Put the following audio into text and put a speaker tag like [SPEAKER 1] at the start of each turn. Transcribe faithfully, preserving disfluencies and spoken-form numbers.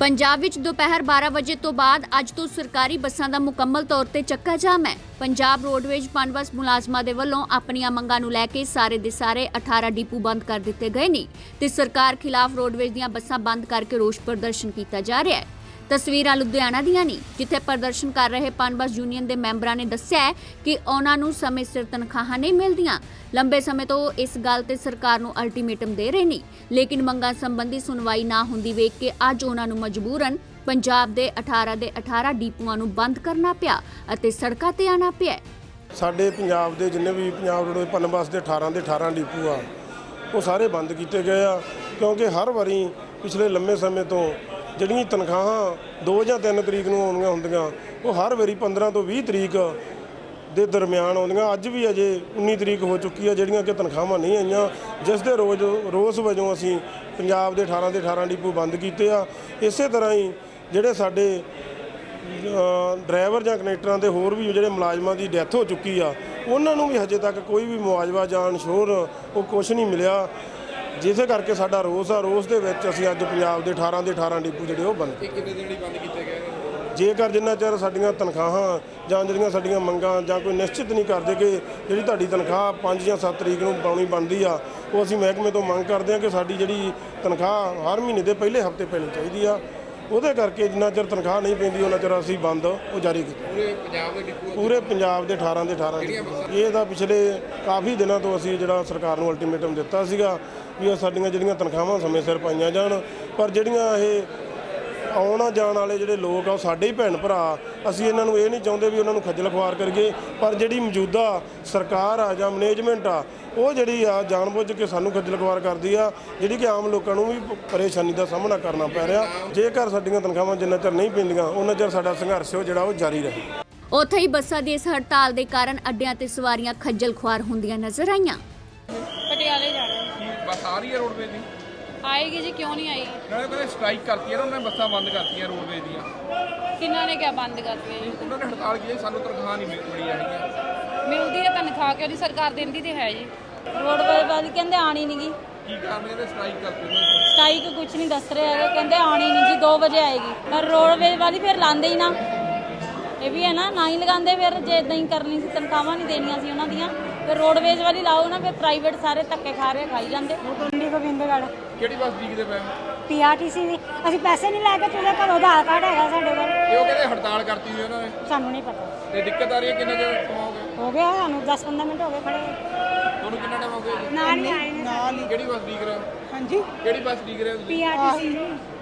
[SPEAKER 1] पंजाब विच दोपहर बारह बजे तो बाद अज तो सरकारी बसां दा मुकम्मल तौर ते चक्का जाम है। पंजाब रोडवेज पनबस मुलाजमां दे वल्लों अपणियां मंगां नूं लैके सारे दे सारे अठारह डिपू बंद कर दिते गए ने ते सरकार खिलाफ रोडवेज दीआं बसां बंद करके रोष प्रदर्शन कीता जा रहा है। तस्वीरां लुधियाना दीआं ने जिथे प्रदर्शन कर रहे पनबस यूनियन के मैंबरां ने दस्सिया है कि उन्हां नूं समय सिर तनखाहां नहीं मिलदियां। लंबे समय तो इस गल ते सरकार नूं अल्टीमेटम दे रहे ने, लेकिन मंगां संबंधी सुनवाई ना हुंदी वेख के अज उन्हां नूं मजबूरन पंजाब दे अठारह दे अठारह डिपूआं नूं बंद करना पिया अते सड़कां ते आना पिया।
[SPEAKER 2] साडे पंजाब दे जिन्ने भी पंजाब रोडवेज पनबस दे अठारह दे अठारह डिपू आ वो सारे बंद किए गए आ, क्योंकि हर वारी पिछले लंबे समय तो ਜਿਹੜੀਆਂ ਤਨਖਾਹਾਂ दो ਜਾਂ तीन तरीक ਨੂੰ ਆਉਣੀਆਂ ਹੁੰਦੀਆਂ ਉਹ ਹਰ ਵਾਰੀ पंद्रह ਤੋਂ बीस ਤਰੀਕ ਦੇ ਦਰਮਿਆਨ ਆਉਂਦੀਆਂ। ਅੱਜ ਵੀ ਅਜੇ उन्नीस ਤਰੀਕ ਹੋ ਚੁੱਕੀ ਆ ਜਿਹੜੀਆਂ ਕਿ ਤਨਖਾਹਾਂ ਨਹੀਂ ਆਈਆਂ, ਜਿਸ ਦੇ ਰੋਜ਼ ਰੋਸ ਵਜੋਂ ਅਸੀਂ ਪੰਜਾਬ ਦੇ अठारह ਦੇ अठारह ਡਿਪੂ ਬੰਦ ਕੀਤੇ ਆ। ਇਸੇ ਤਰ੍ਹਾਂ ਹੀ ਜਿਹੜੇ ਸਾਡੇ ਡਰਾਈਵਰ ਜਾਂ ਕਨੈਕਟਰਾਂ ਦੇ ਹੋਰ ਵੀ ਜਿਹੜੇ ਮੁਲਾਜ਼ਮਾਂ ਦੀ ਡੈਥ ਹੋ ਚੁੱਕੀ ਆ ਉਹਨਾਂ ਨੂੰ ਵੀ ਹਜੇ ਤੱਕ ਕੋਈ ਵੀ ਮੁਆਵਜ਼ਾ ਜਾਂ ਇਨਸ਼ੋਰ ਉਹ ਕੁਛ ਨਹੀਂ ਮਿਲਿਆ, ਜਿਸੇ ਕਰਕੇ ਸਾਡਾ ਰੋਸ ਆ। ਰੋਸ ਦੇ ਵਿੱਚ ਅਸੀਂ ਅੱਜ ਪੰਜਾਬ ਦੇ अठारह ਦੇ अठारह ਡਿਪੂ ਜਿਹੜੇ ਉਹ ਬੰਦ
[SPEAKER 3] ਕਿੰਨੇ ਦਿਨ ਬੰਦ ਕੀਤੇ ਗਏ
[SPEAKER 2] ਜੇਕਰ ਜਿੰਨਾ ਚਿਰ ਸਾਡੀਆਂ ਤਨਖਾਹਾਂ ਜਾਂ ਜਿਹੜੀਆਂ ਸਾਡੀਆਂ ਮੰਗਾਂ ਜਾਂ ਕੋਈ ਨਿਸ਼ਚਿਤ ਨਹੀਂ ਕਰਦੇ ਕਿ ਜਿਹੜੀ ਤੁਹਾਡੀ ਤਨਖਾਹ ਪੰਜ ਜਾਂ ਸੱਤ ਤਰੀਕ ਨੂੰ ਪਾਉਣੀ ਬਣਦੀ ਆ, ਉਹ ਅਸੀਂ ਮਹਿਕਮੇ ਤੋਂ ਮੰਗ ਕਰਦੇ ਹਾਂ ਕਿ ਸਾਡੀ ਜਿਹੜੀ ਤਨਖਾਹ ਹਰ ਮਹੀਨੇ ਦੇ ਪਹਿਲੇ ਹਫਤੇ ਪੈਣੀ ਚਾਹੀਦੀ ਆ। ਉਹਦੇ ਕਰਕੇ ਜਿੰਨਾ ਚਿਰ ਤਨਖਾਹ ਨਹੀਂ ਪੈਂਦੀ ਉਹਨਾਂ ਚਿਰ ਅਸੀਂ ਬੰਦ ਉਹ ਜਾਰੀ ਕੀਤਾ।
[SPEAKER 3] ਪੂਰੇ ਪੰਜਾਬ ਦੇ ਡਿਪੂ
[SPEAKER 2] ਪੂਰੇ ਪੰਜਾਬ ਦੇ अठारह ਦੇ अठारह ਇਹ ਤਾਂ ਪਿਛਲੇ ਕਾਫੀ ਦਿਨਾਂ ਤੋਂ ਅਸੀਂ ਜਿਹੜਾ ਸਰਕਾਰ ਨੂੰ ਅਲਟੀਮੇਟਮ ਦਿੱਤਾ ਸੀਗਾ ਵੀ ਇਹ ਸਾਡੀਆਂ ਜਿਹੜੀਆਂ ਤਨਖਾਹਾਂ ਸਮੇਂ ਸਿਰ ਪਾਈਆਂ ਜਾਣ, ਪਰ ਜਿਹੜੀਆਂ ਇਹ ਆਉਣਾ ਜਾਣ ਵਾਲੇ ਜਿਹੜੇ ਲੋਕ ਆ ਉਹ ਸਾਡੇ ਹੀ ਭੈਣ ਭਰਾ, ਅਸੀਂ ਇਹਨਾਂ ਨੂੰ ਇਹ ਨਹੀਂ ਚਾਹੁੰਦੇ ਵੀ ਉਹਨਾਂ ਨੂੰ ਖੱਜਲ ਖੁਆਰ ਕਰੀਏ, ਪਰ ਜਿਹੜੀ ਮੌਜੂਦਾ ਸਰਕਾਰ ਆ ਜਾਂ ਮੈਨੇਜਮੈਂਟ ਆ ਉਹ ਜਿਹੜੀ ਆ ਜਾਣਬੁੱਝ ਕੇ ਸਾਨੂੰ ਖੱਜਲ ਖੁਆਰ ਕਰਦੀ ਆ, ਜਿਹੜੀ ਕਿ ਆਮ ਲੋਕਾਂ ਨੂੰ ਵੀ ਪਰੇਸ਼ਾਨੀ ਦਾ ਸਾਹਮਣਾ ਕਰਨਾ ਪੈ ਰਿਹਾ। ਜੇਕਰ ਸਾਡੀਆਂ ਤਨਖਾਹਾਂ ਜਿੰਨਾ ਚਿਰ ਨਹੀਂ ਪੈਂਦੀਆਂ ਉਹਨਾਂ ਚਿਰ ਸਾਡਾ ਸੰਘਰਸ਼ ਉਹ ਜਿਹੜਾ ਉਹ ਜਾਰੀ ਰਹੇ।
[SPEAKER 1] ਉੱਥੇ ਹੀ ਬੱਸਾਂ ਦੀ ਇਸ ਹੜਤਾਲ ਦੇ ਕਾਰਨ ਅੱਡਿਆਂ ਤੇ ਸਵਾਰੀਆਂ ਖੱਜਲ ਖੁਆਰ ਹੁੰਦੀਆਂ ਨਜ਼ਰ ਆਈਆਂ।
[SPEAKER 4] ਪਟਿਆਲੇ ਜਾਣਾ
[SPEAKER 3] ਬੱਸ ਆ ਰਹੀ ਹੈ ਰੋਡਵੇਜ਼ ਦੀ?
[SPEAKER 4] ਆਏਗੀ ਜੀ, ਕਿਉਂ ਨਹੀਂ ਆਏਗੀ?
[SPEAKER 3] ਨਾਲੇ ਕਹਿੰਦੇ ਸਟ੍ਰਾਈਕ ਕਰਤੀ ਹੈ ਨਾ, ਉਹਨਾਂ ਨੇ ਬੱਸਾਂ ਬੰਦ ਕਰਤੀਆਂ ਰੋਡਵੇਜ਼ ਦੀਆਂ।
[SPEAKER 4] ਕਿੰਨਾਂ ਨੇ ਕਿਆ ਬੰਦ ਕਰਤੀ ਹੈ ਜੀ?
[SPEAKER 3] ਉਹਨਾਂ ਨੇ ਹੜਤਾਲ ਕੀਤੀ, ਸਾਨੂੰ ਤਨਖਾਹ ਨਹੀਂ ਮਿਲ ਮਿਲੀ ਹੈਗੀ।
[SPEAKER 4] ਮਿਲਦੀ ਹੈ ਤਨਖਾਹ, ਕਿ ਉਹਦੀ ਸਰਕਾਰ ਦਿੰਦੀ ਤੇ ਹੈ ਜੀ।
[SPEAKER 5] ਰੋਡਵੇਜ਼ ਵਾਲੀ ਕਹਿੰਦੇ ਆਣੀ ਨਹੀਂ ਗੀ।
[SPEAKER 3] ਕੀ ਕਾਰਨ ਇਹਦੇ ਸਟ੍ਰਾਈਕ ਕਰਤੀ ਉਹਨਾਂ ਨੇ?
[SPEAKER 5] ਸਟ੍ਰਾਈਕ ਕੁਝ ਨਹੀਂ ਦੱਸ ਰਹੇ ਹੈਗੇ, ਕਹਿੰਦੇ ਆਣੀ ਨਹੀਂ ਜੀ, ਦੋ ਵਜੇ ਆਏਗੀ। ਪਰ ਰੋਡਵੇਜ਼ ਵਾਲੀ ਫਿਰ ਲਾਉਂਦੇ ਹੀ ਨਾ, ਇਹ ਵੀ ਹੈ ਨਾ, ਨਾ ਹੀ ਲਗਾਉਂਦੇ। ਫਿਰ ਜੇ ਇਦਾਂ ਹੀ ਕਰਨੀ ਸੀ, ਤਨਖਾਹਾਂ ਨਹੀਂ ਦੇਣੀਆਂ ਸੀ ਉਹਨਾਂ ਦੀਆਂ, ਫਿਰ ਰੋਡਵੇਜ਼ ਵਾਲੀ ਲਾਓ ਨਾ, ਫਿਰ ਪ੍ਰਾਈਵੇਟ ਸਾਰੇ ਧੱਕੇ ਖਾ ਰਹੇ ਖਾਈ ਜਾਂਦੇ।
[SPEAKER 6] ਪਿੰਡੀ ਗੋਬਿੰਦਗੜ੍ਹ
[SPEAKER 3] ਕਿਹੜੀ ਬੱਸ ਡੀਕਦੇ ਪਏ?
[SPEAKER 6] ਪੀਆਰਟੀਸੀ ਦੀ। ਅਸੀਂ ਪੈਸੇ ਨਹੀਂ ਲੈ ਕੇ ਚੁੱਲੇ, ਘਰੋਂ ਆਧਾਰ ਕਾਰਡ ਹੈਗਾ ਸਾਡੇ ਕੋਲ।
[SPEAKER 3] ਇਹ ਉਹ ਕਹਿੰਦੇ ਹੜਤਾਲ ਕਰਤੀ ਹੋਈ ਉਹਨਾਂ ਨੇ।
[SPEAKER 6] ਸਾਨੂੰ ਨਹੀਂ ਪਤਾ,
[SPEAKER 3] ਤੇ ਦਿੱਕਤ ਆ ਰਹੀ ਹੈ, ਕਿੰਨਾ ਚਿਰ ਕਮਾਓਗੇ?
[SPEAKER 6] ਹੋ ਗਿਆ ਸਾਨੂੰ ਦਸ ਪੰਦਰਾਂ ਮਿੰਟ ਹੋ ਗਏ ਖੜੇ।
[SPEAKER 3] ਤੁਹਾਨੂੰ ਕਿੰਨਾ ਟਾਈਮ ਹੋ ਗਿਆ ਜੀ?
[SPEAKER 6] ਨਾਲ ਹੀ ਆਏ ਨੇ।
[SPEAKER 3] ਕਿਹੜੀ ਬੱਸ ਡੀਕ ਰਹੇ ਹੋ?
[SPEAKER 6] ਹਾਂਜੀ,
[SPEAKER 3] ਕਿਹੜੀ ਬੱਸ ਡੀਕ ਰਹੇ ਹੋ ਤੁਸੀਂ?
[SPEAKER 6] ਪੀਆਰਟੀਸੀ